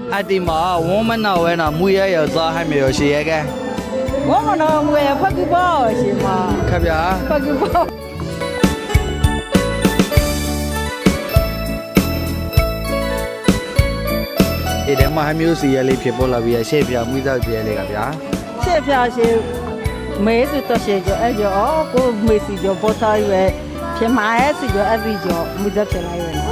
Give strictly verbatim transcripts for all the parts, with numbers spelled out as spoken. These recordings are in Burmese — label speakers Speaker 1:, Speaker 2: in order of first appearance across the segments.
Speaker 1: အတီမာဝမနာဝဲနာမူရရသွားဟမြေရှိရဲကဲ
Speaker 2: ဝမနာမူရဖကူပါရှိမှာ
Speaker 1: ခဗျာ
Speaker 2: ဖကူပါ
Speaker 1: ဒီထဲမှာဟမျိုးစီရလေးဖြစ်ပေါ်လာပြီးရှေ့ပြမှုသားပြလေးကဗျာ
Speaker 2: ရှေ့ပြရှိမဲစတော့ရှိကြအဲ့ကြောကိုမေစီကြောပေါ်သားရွယ်ဖြစ်မှာရဲ့စီကြောအဲ့ဒီကြောမှုသားဖြစ်လာရွယ်နော်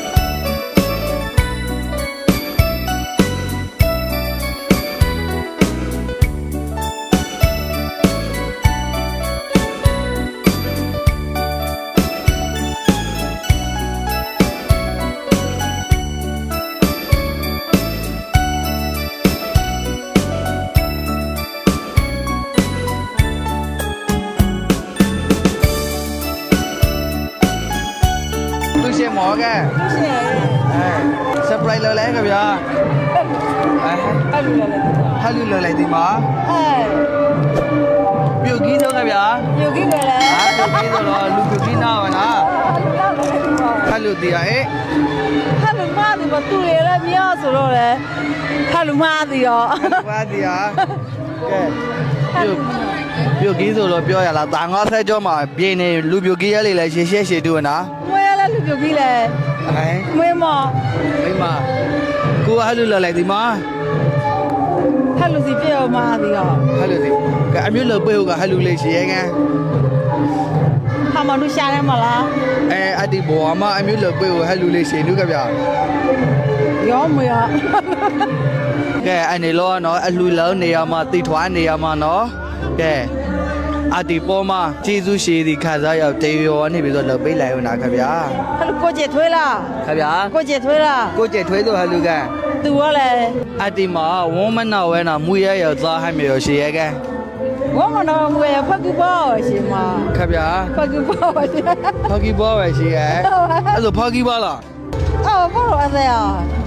Speaker 1: ရှင်းမောကဲ
Speaker 2: ရှင်း
Speaker 1: အဲဆပ်ပရိုက်လော်လဲကဗျာ
Speaker 2: အဲဟလူလော်လဲ
Speaker 1: ဟလူလော်လိုက်ဒီမှာ
Speaker 2: အဲ
Speaker 1: ပြုတ်ကြီးတော့ကဗျာ
Speaker 2: ပြုတ်ကြီးပဲလေ
Speaker 1: ဟာပြုတ်ကြီးတော့လူပြုတ်ကြီးနာပါလားဟလူတီးရဲ
Speaker 2: ဟလူမာဒီမတူရရမြောက်ဆိုတော့လေဟလူမာဒီရော
Speaker 1: ဟလူမာဒီဟာကဲပြုတ်ပြုတ်ကြီးဆိုတော့ပြောရလားတာငါဆက်ကြောမှာပြင်းနေလူပြုတ်ကြီးရလေးလဲရှေ့ရှေ့ရှေ့တူနာ
Speaker 2: လူပြုတ်ကြီးလေ
Speaker 1: ဟဲ့
Speaker 2: မွေးမ
Speaker 1: မိမကိုဟလူလော်လိုက်ဒီမှာ
Speaker 2: ဟလူစီပြောမှာဒီရော
Speaker 1: ဟလူစီကအမျိုးလော်ပေးကဟလူလေးရှေ့ရဲက
Speaker 2: ဟာမနုရှာရဲမလား
Speaker 1: အဲအဒီဘောမအမျိုးလော်ပေးဟလူလေးရှေ့နုကဗျာ
Speaker 2: ရောမရ
Speaker 1: ကဲအနေလောနော်အလှလောနေရမှာတိထွားနေရမှာနော်ကဲအတီပေါ်မှာကျေးဇူးရှိသည်ခါစားရောက်တေရောနေပြီးတော့လှုပ်ပေးလိုက်ဦးနာခင်ဗျာ
Speaker 2: ဟဲ့ကိုကျထွေးလား
Speaker 1: ခင်ဗျာ
Speaker 2: ကိုကျထွေးလား
Speaker 1: ကိုကျထွေးဆိုဟလူက
Speaker 2: သူရောလေ
Speaker 1: အတီမှာဝမနာဝဲနာမူရရသွားဟမြေရှိရဲကဲ
Speaker 2: ဝမနာမူရဖကူပါရှိမှာ
Speaker 1: ခင်ဗျာ
Speaker 2: ဖကူပါရှိ
Speaker 1: ဖကူပါပဲရှိရဲအဲ့ဆိုဖကူပါလား
Speaker 2: အော်ဘောရောအဲ့ဒါ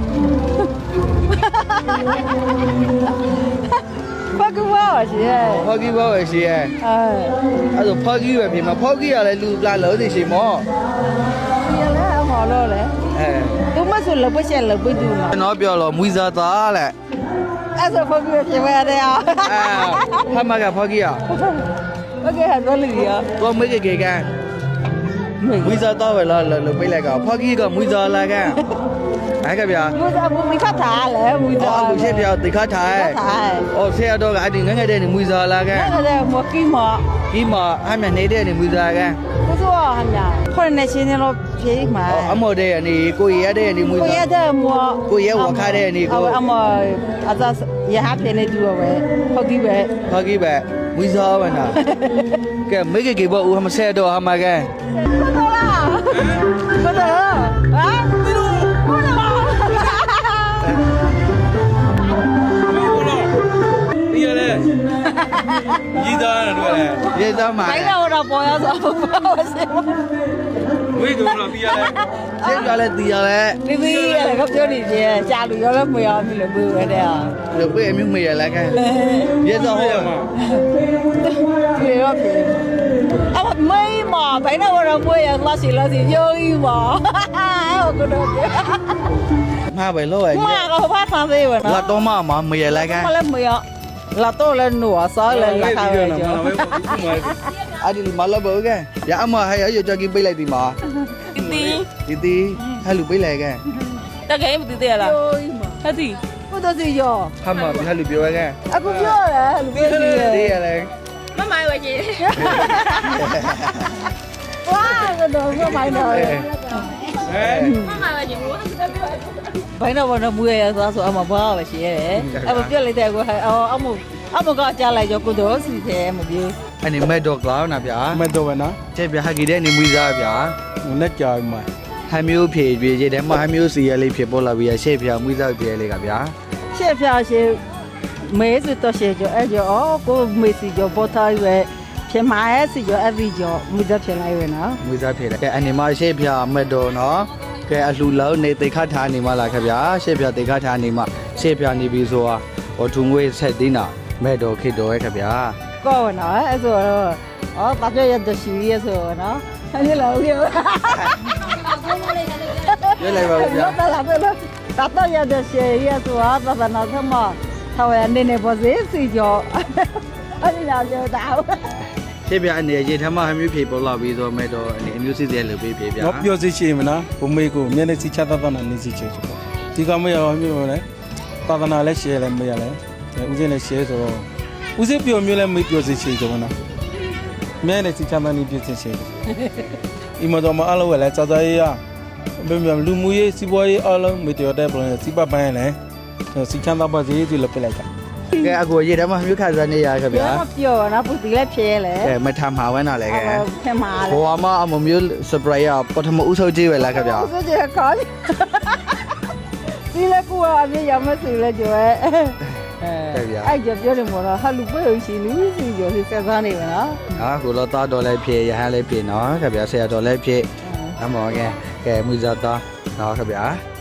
Speaker 2: ဖကူပါရှိရဲ
Speaker 1: ဖကူပါပဲရှိရဲ
Speaker 2: အဲ
Speaker 1: အဲ့ဆိုဖကူပဲပြင်မှာဖကူရလဲလူလာလို့နေရှိမော
Speaker 2: ဒီလဲအမော်လို့လေ
Speaker 1: အဲ
Speaker 2: သူမဆိုလပချက်လပတူမှာ
Speaker 1: ကျွန်တော်ပြောလို့မွေးစားသားလဲ
Speaker 2: အဲ့ဆိုဖကူပြင်မရတယ်อ่ะ
Speaker 1: အဲဖမကဖကူရ
Speaker 2: โอเคဟာတော့လူရ
Speaker 1: တော့မေးကြကမွေးစားသားပဲလားလို့ပြေးလိုက်ကဖကူကမွေးစားလာကအဲ့ကဗျာ
Speaker 2: မူစားမူမိခတ်ထားလေမူစား
Speaker 1: အခုရှင်းပြတိခတ်ထားအော်ဆရာတော်ကအဲ့ဒီငငယ်တဲ့နေမွေးစားလာက
Speaker 2: ငငယ်တဲ့မကီမ
Speaker 1: ကီမအမှနေတဲ့နေမွေးစားက
Speaker 2: ကိုစိုးဟမ်းညာခေါ်နေချင်းတော့ဖြေးမှာ
Speaker 1: အမော်တဲ့နေကိုရတဲ့နေမွေးစား
Speaker 2: ကိုရတဲ့မော
Speaker 1: ကိုရဝခတဲ့နေကို
Speaker 2: အမော်အသာရဟဖြေနေတူပဲဟုတ်ကြီးပဲ
Speaker 1: ဟုတ်ကြီးပဲမွေးစားပါနာကဲမေကေကေဘောဦးမဆဲတော့ဟာမကဲ
Speaker 2: ကိုတော်လားကိုတော်ဟာ
Speaker 1: ရေးသားတယ်တွေ့လဲရေးသားမှာ
Speaker 2: ဘိုင်းတော့ပေါ်ရဆိုပါစေ
Speaker 1: ဝေးတော့တော့ပြီးရလဲရှင်းပြလဲတီးရလဲ
Speaker 2: ဒီဒီရကပြောနေချင်းကြာလူရောလည်းမရဘူးလို့ပြောရတယ်ဟာ
Speaker 1: လို့ပြေအမျိုးမရလဲခဲရေးသားဟောမှာ
Speaker 2: ပြေရောပြေအမမေးမဘိုင်းတော့မွေးရလာစီလာစီရိုးကြီးပါဟုတ်ကတော့ပြေ
Speaker 1: မှာပဲလို့ရ
Speaker 2: မှာတော့ဖတ်ဆန်းသေးပါနော်
Speaker 1: လာတော့မှမရလဲခဲ
Speaker 2: မလဲမရလာတော့လဲနူအစားလဲလာခါပဲကျော်
Speaker 1: အဲ့ဒီမလာဘောကရအမဟဲ့ရကြကြီးပိတ်လိုက်ဒီမှာ
Speaker 2: တီ
Speaker 1: တီတီဟဲ့လူပိတ်လိုက်က
Speaker 2: တကယ်မတီတီလားဟဲ့တီကိုတော့စီရော
Speaker 1: ဟာမဟဲ့လူပြောက
Speaker 2: အခုပြောတယ်လူပြောစီရ
Speaker 1: တီရလဲ
Speaker 2: မမိုင်းဝကြီးဝါကတော့မမိုင်းတော့ဟဲ့မမိုင်းဝကြီးဘိုင်းတော့ဘာမူရရသွားဆိုအမဘာပဲရှိရတယ်အမပြက်လိုက်တဲ့ကိုအော်အမအမကကြားလိုက်ကြကိုတော့စီတယ်မပြေ
Speaker 1: အဲ့ဒီမက်တော့ကလာနာဗျာ
Speaker 3: မက်တော့ပဲနော်
Speaker 1: တဲ့ဗျာဟကီတဲ့နေမွေးစားဗျာ
Speaker 3: နဲ့ကြာမှာ
Speaker 1: ဟမ်းမျိုးဖြေပြေးတဲ့မှာဟမ်းမျိုးစီရလေးဖြစ်ပေါ်လာပြီးရှေ့ဖြာမွေးစားပြေးလေးကဗျာ
Speaker 2: ရှေ့ဖြာရှေ့မဲစတော့ရှေ့ကြောအဲ့ကြောကိုမေစီကြောပေါ်သားရွယ်ဖြစ်မှာရဲ့စီကြောအဲ့ဒီကြောမွေးစားဖြစ်လိုက်ရွယ်နော်
Speaker 1: မွေးစားဖြစ်တယ်ကဲအနေမှာရှေ့ဖြာမက်တော့နော်ကဲအလှလုံးနေတိခတ်ထားနေမှလားခင်ဗျာရှေ့ဖြာတိခတ်ထားနေမှရှေ့ဖြာနေပြီဆိုတာဟောထုံငွေဆက်သေးနာမဲ့တော်ခေတော်ရဲ့ခင်ဗျာ
Speaker 2: ကောနော်အဲ့ဆိုတော့အော်ဘာပြောရတဲ့ရှိရဆိုနော်အဲ့ဒီလောက်ပြော
Speaker 1: ရွေးလိုက်ပါဦးဗျာ
Speaker 2: လာလာတာတော့ရတဲ့ရှယ်ရဆိုတာသာသနာ့ထမထောင်ရနေနေပေါ်စေစီကျော်အဲ့ဒီလာပြောတာ
Speaker 1: ဖြစ်ပြအနေရေထမဟမျိုးဖြေပေါ်လာပြီးတော့မဲ့တော့အနေအမျိုးစစ်တဲ့လူပေးဖြေပြ
Speaker 3: တော့ပြောစီရှိမလားဘုမေကိုမျက်နှာစီချသာသနာနေစီချေပေါ့ဒီကမရအောင်မျိုးလဲသာသနာလည်းရှယ်လည်းမရလဲဦးစင်းလည်းရှယ်ဆိုတော့ဦးစင်းပြောမျိုးလည်းမေးပြောစီရှိကြမလားမျက်နှာစီချသာနေပြစီရှိဒီမှာတော့မအားလို့လည်းစောစောရေးရဘယ်မှာလူမှုရေးစီးပွားရေးအားလုံးမေတ္တာတဲ့ပုံစီပပိုင်းလဲစီချသာပါစီဒီလည်းပြလိုက်တာ
Speaker 1: ကဲအကိုရေထမဟမျိုးခါစားနေရခဲ့ဗျာ
Speaker 2: ပြောနော်ပူတီလည်းဖြဲလေ
Speaker 1: ကဲမထမှာဝဲနာလဲကဲ
Speaker 2: ဖြဲမှာလေ
Speaker 1: ဘောမအမမျိုးစပရိုက်ရပထမဦးဆုံးကြည့်ပဲလားခဲ့ဗျာ
Speaker 2: ဆိုကြခေါ်ဒီလေကူအပြည့်ရမစလေကြွယ်အဲ့ကြပြောတယ်မို့တော့ဟာလူပွဲရှိလူစီကျော်စီဆက်စားနေပါနော်
Speaker 1: ဟာကိုတော့တာတော်လည်းဖြေရဟန်းလည်းဖြေနော်ခဲ့ဗျာဆရာတော်လည်းဖြေအမောကဲကဲမူဇာတာနော်ခဲ့ဗျာ